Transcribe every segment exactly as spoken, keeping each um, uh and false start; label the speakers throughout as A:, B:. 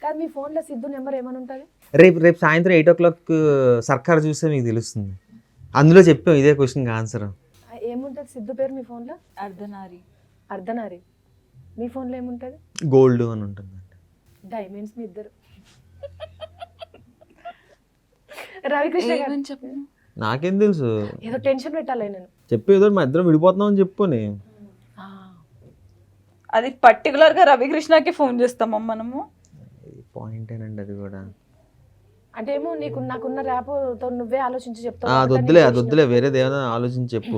A: కాదు మీ ఫోన్లో సిద్ధు నెంబర్ ఏమని ఉంటుంది?
B: రేపు రేపు సాయంత్రం ఎయిట్ ఓ క్లాక్ సర్కార్ చూస్తే మీకు తెలుస్తుంది. అందులో చెప్పాం ఇదే క్వశ్చన్కి ఆన్సర్.
A: ఏముంటుంది సిద్ధు పేరు మీ ఫోన్లో?
C: అర్ధనారి.
A: అర్ధనారి. మీ ఫోన్లో ఏముంటుంది?
B: గోల్డ్ అని ఉంటుంది.
A: డైమండ్స్ మీ ఇద్దరు. రవికృష్ణ గారు
C: చెప్పు.
B: నాకేం తెలుసు,
A: ఏదో టెన్షన్ పెట్టాలి నేను.
B: చెప్పు ఏదో మా ఇద్దరం విడిపోతున్నామని చెప్పుని.
C: అది పర్టికులర్ గా రవికృష్ణకి ఫోన్ చేస్తామా మనము?
B: పాయింట్ ఏనండి అది కూడా.
A: అంటే ఏమో నీకు నాకున్న ర్యాప్తో నువ్వే ఆలోచించి చెప్తావు.
B: అది వద్దులే అది వద్దులే వేరేది ఏమైనా ఆలోచించి చెప్పు.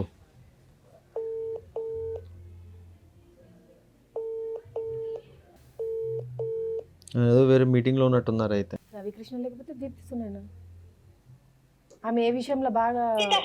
B: ఏదో వేరే మీటింగ్ లో ఉన్నట్టున్నారు అయితే.
A: రవికృష్ణ లేకపోతే దీప్తిస్తున్నాను. ఆమె ఏ విషయంలో బాగా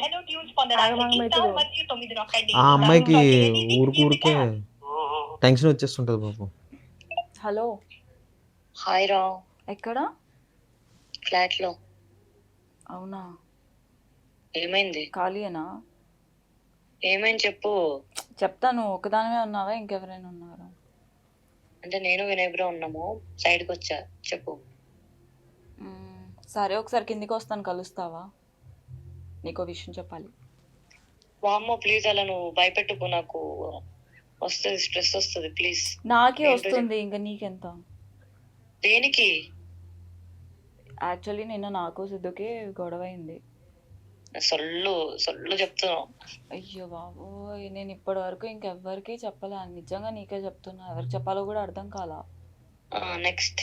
B: ఆ అమ్మాయికి ఊరికూరికే టెన్షన్ వచ్చేస్తుంటది పాపం.
C: హలో
D: హాయ్ రా.
C: ఎక్కడ?
D: ఫ్లాట్ లో.
C: అవునా,
D: ఏమైంది?
C: ఖాళీయేనా?
D: ఏమైంది చెప్పు.
C: చెప్తాను. ఒకదానివే ఉన్నావా, ఇంకెవరైనా ఉన్నారా?
D: అంటే నేను వినయ్ బ్రో ఉన్నాము, సైడ్ కి వచ్చా. చెప్పు.
C: మ్మ్, సరే ఒకసారి కిందికి వస్తాను, కలుస్తావా? నీకో విషయం చెప్పాలి.
D: వామ్మో ప్లీజ్ అలా నువ్వు భయపెట్టుకో, నాకు వస్తుంది స్ట్రెస్ వస్తుంది ప్లీజ్.
C: నాకే వస్తుంది, ఇంకా నీకెంత?
D: దేనికి?
C: యాక్చువల్లీ నిన్న నాకు సిద్ధుకి గొడవ అయింది.
D: సొల్లు సొల్లు చెప్తున్నావు.
C: అయ్యో బాబోయ్, నేను ఇప్పటి వరకు ఇంకెవ్వరికి చెప్పలే. నిజంగా నీకే చెప్తున్నా, ఎవరికి చెప్పాలో కూడా అర్థం కాలా.
D: నెక్స్ట్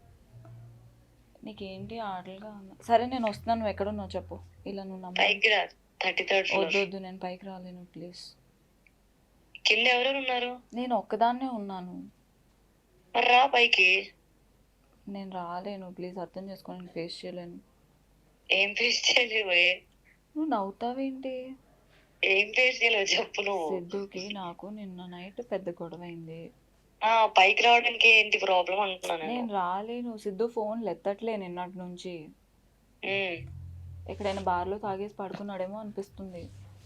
C: నీకేంటి ఆటలుగా ఉన్నా? సరే నేను వస్తున్నాను, నువ్వు ఎక్కడున్నావు చెప్పు. ఇలా నువ్వు
D: పైకి రా. Thirty third floor.
C: వద్దు వద్దు, నేను పైకి రాలేను ప్లీజ్.
D: కింద ఎవరెవరు ఉన్నారు?
C: నేను ఒక్కదాన్నే ఉన్నాను.
D: మరి రా పైకి.
C: నేను రాలేను ప్లీజ్, అర్థం చేసుకో, నేను ఫేస్ చేయలేను.
D: ఏం ఫేస్ చేయలేవు?
C: నువ్వు నవ్వుతావేంటి?
D: ఏం ఫేస్ చేయలేవు చెప్పు నువ్వు.
C: సిద్ధుకి నాకు నిన్న నైట్ పెద్ద గొడవ అయింది.
D: ఆ పైకి రావడానికి ఏంటి ప్రాబ్లం అంటున్నాను.
C: నేను రాలేను. సిద్ధు ఫోన్ ఎత్తట్లే నిన్నటి నుంచి. ఎక్కడైనా బార్లో తాగేసి పడుకున్నాడేమో అనిపిస్తుంది.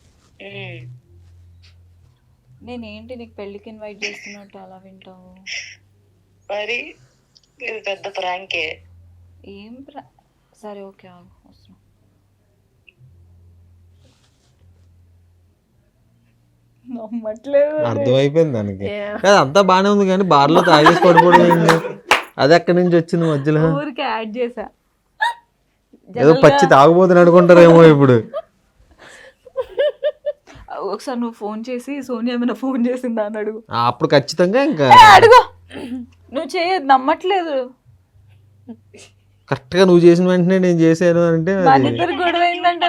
C: నేనేంటి నీకు పెళ్ళికి ఇన్వైట్ చేస్తున్నట్టు అలా వింటావు?
D: మరి ఇది పెద్ద ప్రాంకే.
C: ఏం ప్రా సరే ఓకే ఆగు, వస్తున్నా. నమ్మట్లేదు.
B: అర్థమైపోయింది దానికి. అంతా బానే ఉంది కానీ బార్లో తాగేసి పడిపోవడం అది ఎక్కడి నుంచి వచ్చింది మధ్యలో?
C: ఊరికి యాడ్ చేసా.
B: ఏదో పచ్చి తాగుబోతుని అనుకుంటారేమో ఇప్పుడు.
C: ఒకసారి నువ్వు ఫోన్ చేసి సోనియా ఏమైనా ఫోన్ చేసిందా అని అడుగు.
B: అప్పుడు ఖచ్చితంగా ఇంకా
C: అడుగు. నువ్వు చేయదు, నమ్మట్లేదు.
B: కరెక్ట్ గా నువ్వు చేసిన వెంటనే నేను చేశాను అంటే
C: ఇద్దరు గొడవ అయిందంటే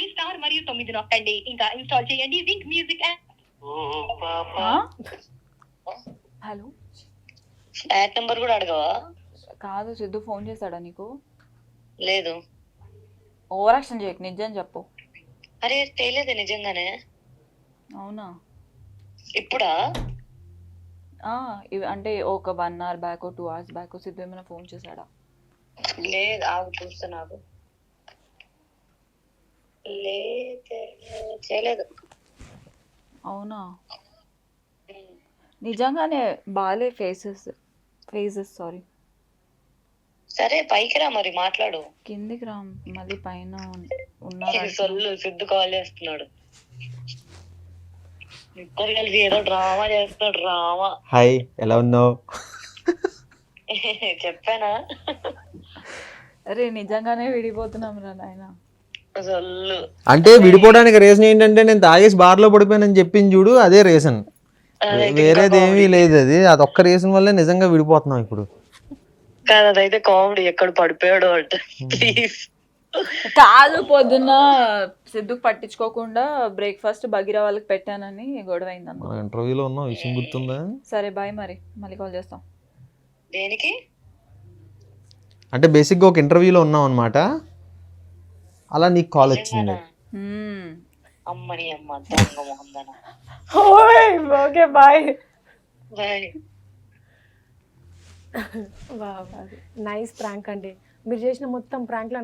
C: హలో
D: ఫ్లాట్ నెంబర్ కూడా అడగవా?
C: కాదు, సిద్ధు ఫోన్ చేశాడా నీకు?
D: లేదు.
C: ఓవర్ యాక్షన్ చేయకు, నిజం చెప్పు.
D: అరే తెలియదు నిజంగానే.
C: అవునా?
D: ఇప్పుడా?
C: ఇవి అంటే ఒక one hour back two hours back Siddhu ఏమైనా ఫోన్ చేశాడా?
D: లేదు, ఆగు చూస్తా. నాకు చేయలేదు.
C: అవునా? నిజంగానే బాలే ఫేసెస్ ఫేసెస్ సారీ.
D: సరే పైకి రా మరి మాట్లాడు.
C: కిందికి రా, మళ్ళీ పైన ఉన్నారు.
D: సొల్లు సిద్ధు కాల్ చేస్తున్నాడు. ఇద్దరు కలిసి ఏదో డ్రామా చేస్తున్నాడు. డ్రామా.
B: హాయ్ ఎలా ఉన్నావు?
D: చెప్పానా?
C: అరే నిజంగానే విడిపోతున్నాం రా నాయన.
B: అంటే విడిపోవడానికి రీజన్ ఏంటంటే నేను తాగేసి బార్ లో పడిపోయానని చెప్పింది చూడు, అదే రీజన్. వేరేది ఏమీ లేదు. అది అదొక్క రీజన్ వల్లే నిజంగా విడిపోతున్నాం ఇప్పుడు.
D: కాదు అదైతే కామెడీ. ఎక్కడ పడిపోయాడు అంటే ప్లీజ్.
C: కాదు, పొద్దున్న సిద్ధుకు పట్టించుకోకుండా బ్రేక్ఫాస్ట్ బగిరా వాళ్ళకి పెట్టానని గొడవ అయిందన్న.
B: ఇంటర్వ్యూలో ఉన్నాం, విషయం గుర్తుందా?
C: సరే బాయ్, మరి మళ్ళీ కాల్ చేస్తాం.
D: దేనికి?
B: అంటే బేసిక్గా ఒక ఇంటర్వ్యూలో ఉన్నాం అనమాట, అలా నీకు కాల్ వచ్చింది.
D: అమ్మని అమ్మ దొంగ మొహందన.
C: Okay bye
D: bye.
A: Nice prank అండి. మీరు చేసిన మొత్తం ప్రాంక్లో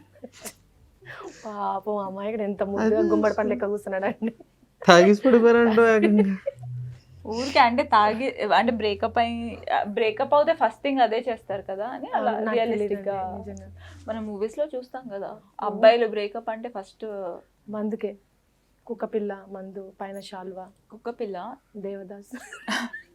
A: పాపం అమ్మాయి ఇక్కడ ఎంత ముందుగా గుమ్మడి పండు లెక్క కూర్చున్నాడు అండి.
B: తాగేసి పడిపోయారంట.
C: ఊరికే అంటే తాగి అంటే బ్రేకప్ అయి బ్రేకప్ అవుతే ఫస్ట్ థింగ్ అదే చేస్తారు కదా అని అలా
A: నాకు
C: రియలిస్టిక్ గా
A: తెలీదండి, నిజంగా.
C: మనం మూవీస్ లో చూస్తాం కదా అబ్బాయిలు బ్రేకప్ అంటే ఫస్ట్
A: మందుకే కుక్క పిల్ల మందు పైన శాల్వా
C: కుక్క పిల్ల
A: దేవదాస్